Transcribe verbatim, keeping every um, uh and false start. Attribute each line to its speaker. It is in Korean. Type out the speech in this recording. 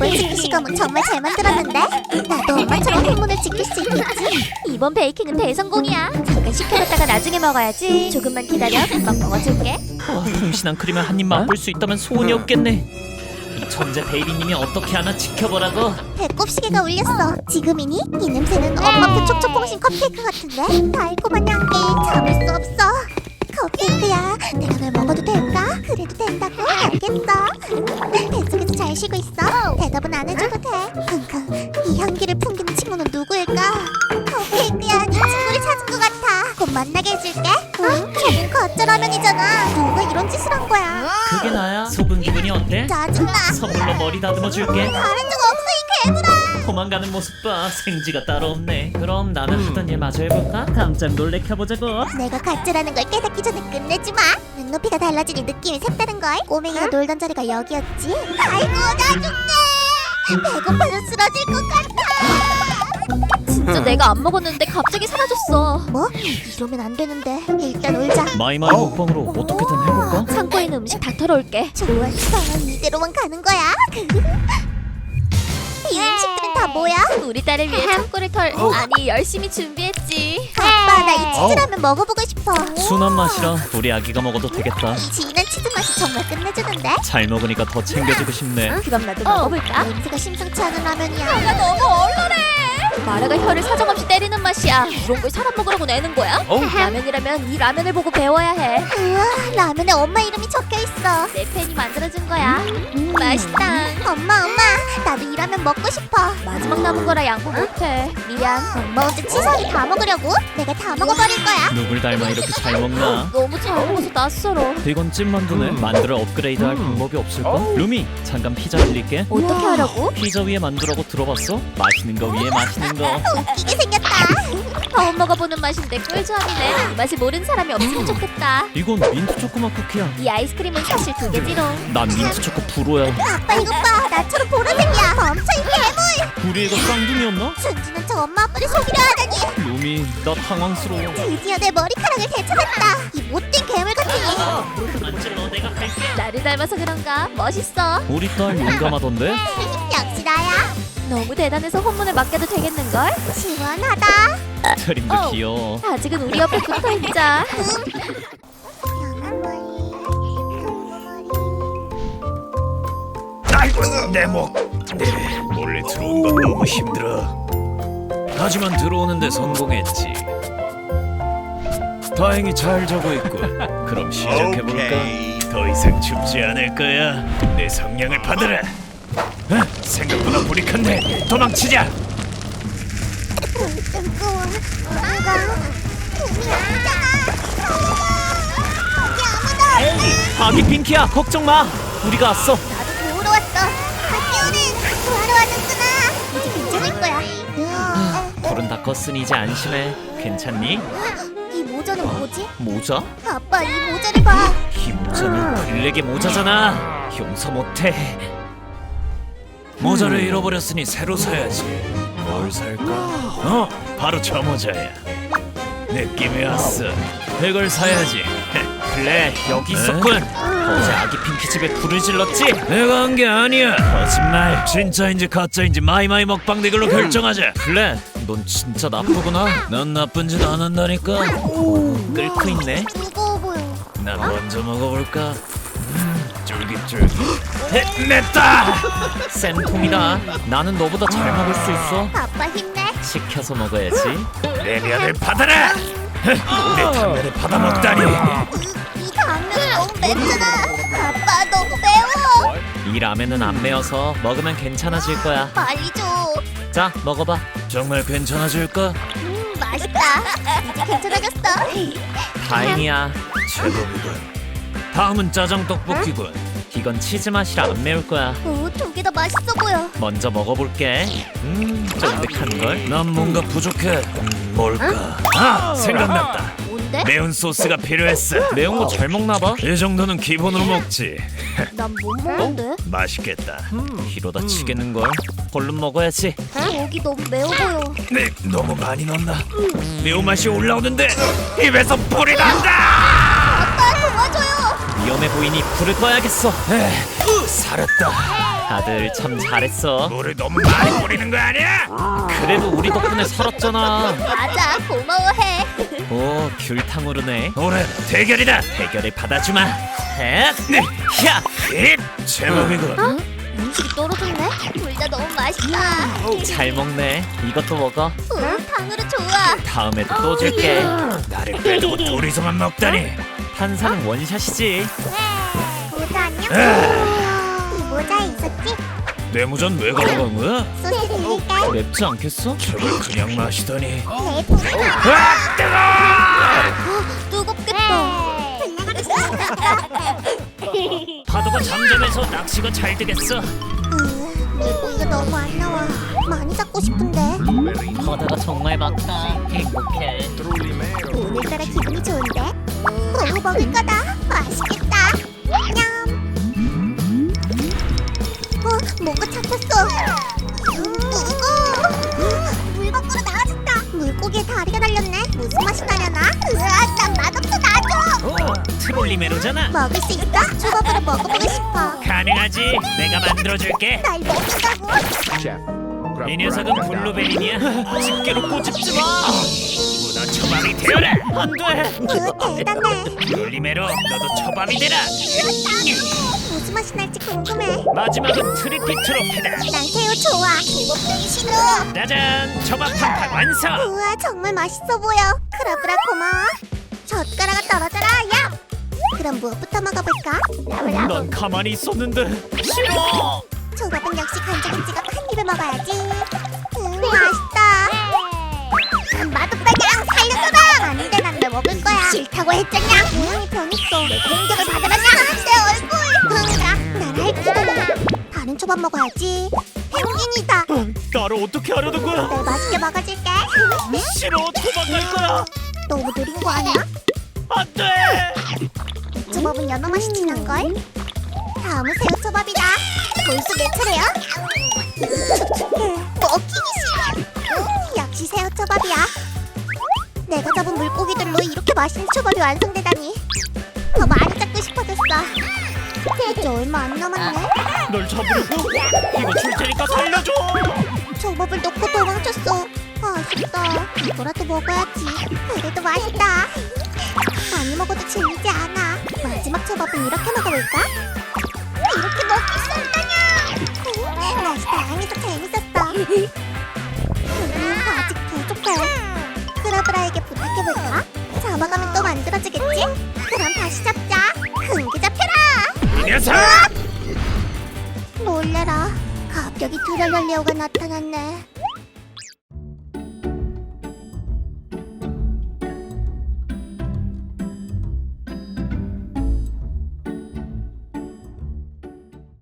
Speaker 1: 이번 식기시감은 정말 잘 만들었는데? 나도 엄마처럼 소문을 지킬 수 있겠지?
Speaker 2: 이번 베이킹은 대성공이야. 잠깐 식혀뒀다가 나중에 먹어야지. 조금만 기다려. 금방 먹어줄게.
Speaker 3: 어, 풍신한 크림을 한 입 맛볼 수 있다면 소원이 없겠네. 이 천재 베이비님이 어떻게 하나 지켜보라고.
Speaker 1: 배꼽 시계가 울렸어. 지금이니? 이 냄새는 엄마표 촉촉퐁신 컵케이크 같은데? 달콤한 향기 참을 수 없어. 컵케이크야, 내가 널 먹어도 될까? 그래도 된다고? 알겠어. 뱃속에서 잘 쉬고 있어. 대답은 안 해줘도 돼. 킁킁, 이 향기를 풍기는 친구는 누구일까? 컵케이크야, 네 친구를 찾은 것 같아. 곧 만나게 해줄게. 응? 저긴 가짜 라면이잖아. 누가 이런 짓을 한 거야?
Speaker 3: 그게 나야. 속은 기분이 어때?
Speaker 1: 짜증나.
Speaker 3: 선물로 머리 다듬어 줄게.
Speaker 1: 다른 적 없어, 이 괴물아.
Speaker 3: 도망가는 모습 봐. 생지가 따로 없네. 그럼 나는 하던 일 마저 해볼까? 깜짝 놀래켜보자고.
Speaker 1: 내가 가짜라는 걸 깨닫기 전에 끝내지 마. 눈높이가 달라지니 느낌이 색다른 걸. 꼬맹이가 놀던 자리가 여기였지. 아이고 나 죽네. 배고파서 쓰러질 것 같아.
Speaker 2: 진짜 내가 안 먹었는데 갑자기 사라졌어.
Speaker 1: 뭐? 이러면 안 되는데. 일단 울자.
Speaker 3: 마이마이 먹방으로 어떻게든 해볼까?
Speaker 2: 창고에 있는 음식 다 털어올게.
Speaker 1: 좋았어. 이대로만 가는 거야. 이 음식들은 다 뭐야?
Speaker 2: 우리 딸을 위해 창고를 털 아니 열심히 준비했지.
Speaker 1: 아빠 나 이 치즈라면 먹어보고 싶어.
Speaker 3: 순한 맛이라 우리 아기가 먹어도 되겠다.
Speaker 1: 이 진한 치즈 맛이 정말 끝내주는데?
Speaker 3: 잘 먹으니까 더 챙겨주고 싶네.
Speaker 2: 그럼 나도 먹어볼까?
Speaker 1: 냄새가 심상치 않은 라면이야.
Speaker 2: 나 너무 얼얼해. 마라가 혀를 사정없이 때리는 맛이야. 이런 걸 사람 먹으라고 내는 거야? 라면이라면 이 라면을 보고 배워야 해.
Speaker 1: 우와, 라면에 엄마 이름이 적혀있어.
Speaker 2: 내 팬이 만들어준 거야. 음, 맛있다.
Speaker 1: 엄마 엄마 나도 이 라면 먹고 싶어.
Speaker 2: 마지막 남은 거라 양보 못해. 미안.
Speaker 1: 엄마 혼자 치사하게 다 먹으려고? 내가 다 먹어버릴 거야.
Speaker 3: 누굴 닮아 이렇게 잘 먹나?
Speaker 2: 너무 잘 먹어서 낯설어.
Speaker 3: 이건 찐만두네. 만두를 업그레이드할 방법이 없을까? 루미, 잠깐 피자 빌릴게.
Speaker 2: 어떻게 하라고?
Speaker 3: 피자 위에 만두라고 들어봤어? 맛있는 거 위에 맛있는 거.
Speaker 1: 웃기게 생겼다.
Speaker 2: 처음 먹어보는 맛인데 꿀조합이네. 이 맛을 모르는 사람이 없으면 좋겠다.
Speaker 3: 이건 민트 초코맛 쿠키야.
Speaker 2: 이 아이스크림은 사실 두 개지롱.
Speaker 3: 난 민트 초코 불호야.
Speaker 1: 아빠 이것 봐. 나처럼 보라색이야. 멈춰 이 괴물.
Speaker 3: 우리 애가 쌍둥이였나?
Speaker 1: 순진한 저 엄마 아빠를 속이려 하다니.
Speaker 3: 루미, 나 당황스러워.
Speaker 1: 드디어 내 머리카락을 되찾았다. 이 못된 괴물 같으니.
Speaker 3: 만질러 내가 갈게.
Speaker 2: 나를 닮아서 그런가? 멋있어.
Speaker 3: 우리 딸 용감하던데?
Speaker 1: 역시 나야.
Speaker 2: 너무 대단해서 혼문을 맡겨도 되겠는걸?
Speaker 1: 시원하다.
Speaker 3: 트림도
Speaker 2: 어.
Speaker 3: 귀여워.
Speaker 2: 아직은 우리 옆에 붙어있자.
Speaker 1: 연한 머리,
Speaker 4: 아이고 내 목. 네, 몰래 들어온 건 너무 힘들어. 하지만 들어오는데 성공했지. 다행히 잘 자고 있고. 그럼 시작해볼까? 더 이상 춥지 않을 거야. 내 성냥을 받으라. 어? 생각보다 불이 큰데 도망치자.
Speaker 1: 뜨거워. 내가 몸이 아프잖아. 여기 아무도.
Speaker 3: 아기 핑키야, 걱정 마. 우리가 왔어.
Speaker 1: 나도 도우러 왔어. 학교는 구하러 왔는구나. 이제 괜찮을 거야. 으아.
Speaker 3: 불은 다 껐으니 이제 안심해. 괜찮니?
Speaker 1: 이 모자는 뭐지?
Speaker 3: 모자?
Speaker 1: 아빠 이 모자를 봐.
Speaker 3: 이 모자는 블랙의 모자잖아. 용서 못해.
Speaker 4: 모자를 잃어버렸으니 새로 사야지. 뭘 살까? 어, 바로 저 모자야. 느낌이 왔어. 이걸 사야지.
Speaker 3: 블랙 여기 있었군. 어제 아기 핑키 집에 불을 질렀지?
Speaker 4: 내가 한 게 아니야. 거짓말. 진짜인지 가짜인지 마이마이 먹방 대결로 결정하자.
Speaker 3: 블랙, 넌 진짜 나쁘구나.
Speaker 4: 난 나쁜 짓 안 한다니까.
Speaker 3: 끓고 있네.
Speaker 1: 무거워 보여.
Speaker 4: 난 먼저 먹어볼까? 음, 쫄깃쫄깃. 냈다.
Speaker 3: 센 통이다. 나는 너보다 잘 먹을 수 있어.
Speaker 1: 아빠 힘내.
Speaker 3: 시켜서 먹어야지.
Speaker 4: 내 면을 받아라. 내 당면을 받아 먹다니.
Speaker 1: 이 당면이 너무 맵잖아. 아빠 너무 매워.
Speaker 3: 이 라면은 안 매워서 먹으면 괜찮아질 거야.
Speaker 1: 빨리 줘.
Speaker 3: 자, 먹어봐.
Speaker 4: 정말 괜찮아질까?
Speaker 1: 음 맛있다. 이제 괜찮아졌어.
Speaker 3: 다행이야.
Speaker 4: 제법이군. 다음은 짜장 떡볶이군.
Speaker 3: 이건 치즈 맛이라 안 매울 거야.
Speaker 1: 오두 개 다 맛있어 보여.
Speaker 3: 먼저 먹어볼게. 음, 쫀득한 걸.
Speaker 4: 난 뭔가 부족해. 뭘까? 아, 생각났다.
Speaker 1: 뭔데?
Speaker 4: 매운 소스가 필요했어.
Speaker 3: 매운 거 잘 먹나 봐.
Speaker 4: 이 정도는 기본으로 먹지.
Speaker 1: 난 못 먹는데.
Speaker 4: 맛있겠다.
Speaker 3: 이러다 치겠는 걸. 얼른 먹어야지.
Speaker 1: 여기 너무 매워 보여.
Speaker 4: 네, 너무 많이 넣었나? 매운맛이 올라오는데 입에서 불이 난다.
Speaker 1: 아빠 도와줘요.
Speaker 3: 위험해 보이니 불을 꺼야겠어.
Speaker 4: 에이, 살았다.
Speaker 3: 다들 참 잘했어.
Speaker 4: 물을 너무 많이 뿌리는 거 아니야?
Speaker 3: 그래도 우리 덕분에 살았잖아.
Speaker 2: 맞아, 고마워해.
Speaker 3: 오, 귤탕 오르네.
Speaker 4: 오늘 대결이다.
Speaker 3: 대결을 받아주마. 헷! 야!
Speaker 4: 잇! 제법이군.
Speaker 2: 음식이 떨어졌네. 둘 다 너무 맛있다.
Speaker 3: 잘 먹네. 이것도 먹어.
Speaker 2: 응, 탕후루 좋아.
Speaker 3: 다음에도 또 줄게.
Speaker 4: 나를 빼두고 둘이서만 먹다니.
Speaker 3: 탄산은 원샷이지.
Speaker 1: 모자 안녕?
Speaker 4: 아.
Speaker 1: 이 모자에 있었지?
Speaker 4: 뇌무전 왜 가져간 거야?
Speaker 1: 소스 드릴까?
Speaker 3: 맵지 않겠어?
Speaker 4: 저걸 그냥 마시다니.
Speaker 1: 내 돈을
Speaker 4: 아, 뜨거!
Speaker 2: 뜨겁겠다.
Speaker 3: 파도가 잠잠해서 낚시가 잘 되겠어.
Speaker 1: 물고기가 너무 안 나와. 많이 잡고 싶은데.
Speaker 3: 바다가 정말 많다. 행복해.
Speaker 1: 오늘따라 기분이 좋은데? 오, 먹을 거다. 맛있겠다. 냠. 어, 뭔가 잡혔어. 무거워. 물 밖으로 나와준다. 물고기에 다리가 달렸네. 무슨 맛이 나려나? 으아, 난 맛없어. 놔줘.
Speaker 3: 오, 트롤리메로잖아.
Speaker 1: 먹을 수 있어? 초밥으로 먹어보고 싶어.
Speaker 3: 가능하지. 내가 만들어줄게.
Speaker 1: 날 먹는다고?
Speaker 3: 이 녀석은 블루베리니야. 집게로 꼬집지 마.
Speaker 4: 문어 처방이 되어라.
Speaker 3: 안 돼.
Speaker 1: 으, 대단해.
Speaker 3: 트롤리메로, 너도 처방이 되라.
Speaker 1: 무슨 맛이 날지 궁금해.
Speaker 3: 마지막은 트리피트로피다.
Speaker 1: 난 새우 좋아. 기복되기 싫어.
Speaker 3: 짜잔, 초밥 팡팡 완성.
Speaker 1: 우와, 정말 맛있어 보여. 크라브라 고마워. 젓가락아 떨어져라. 야. 그럼 무엇부터 먹어볼까?
Speaker 3: 넌 가만히 있었는데. 싫어.
Speaker 1: 초밥은 역시 간장에 찍어 한 입에 먹어야지. 음, 맛있다. 음, 맛없다냥 살려줘라. 안돼, 난 왜 먹을 거야. 싫다고 했잖냐. 모양이 변했어. 내 공격을 받아라냐. 내 얼굴. 그러니까 난 할퀴도 다른 초밥 먹어야지. 펭귄이다.
Speaker 3: 나를 어떻게 하려는 거야?
Speaker 1: 내 맛있게 먹어줄게.
Speaker 3: 싫어, 도망갈 거야.
Speaker 1: 너무 느린 거 아니야?
Speaker 3: 안 돼.
Speaker 1: 초밥은 연어 맛이 진한걸? 다음은 새우초밥이다. 벌써 내 차례야? 먹히기 싫어. 음, 역시 새우초밥이야. 내가 잡은 물고기들로 이렇게 맛있는 초밥이 완성되다니. 더 많이 잡고 싶어졌어. 이제 얼마 안 남았네.
Speaker 3: 널 잡으려고? 이거 줄 테니까 살려줘.
Speaker 1: 초밥을 놓고 도망쳤어. 아쉽다. 이거라도 먹어야지. 그래도 맛있다. 많이 먹어도 질리지 않아. 마지막 초밥은 이렇게 먹어볼까? 이렇게 먹을 수 없다냐. 맛이 다양해서 재밌었어. 음, 아직 부족해. 크라브라에게 부탁해볼까? 잡아가면 또 만들어지겠지? 그럼 다시 잡자. 큰 게 잡혀라.
Speaker 4: 이 녀석!
Speaker 1: 놀래라. 갑자기 트롤리오가 나타났네.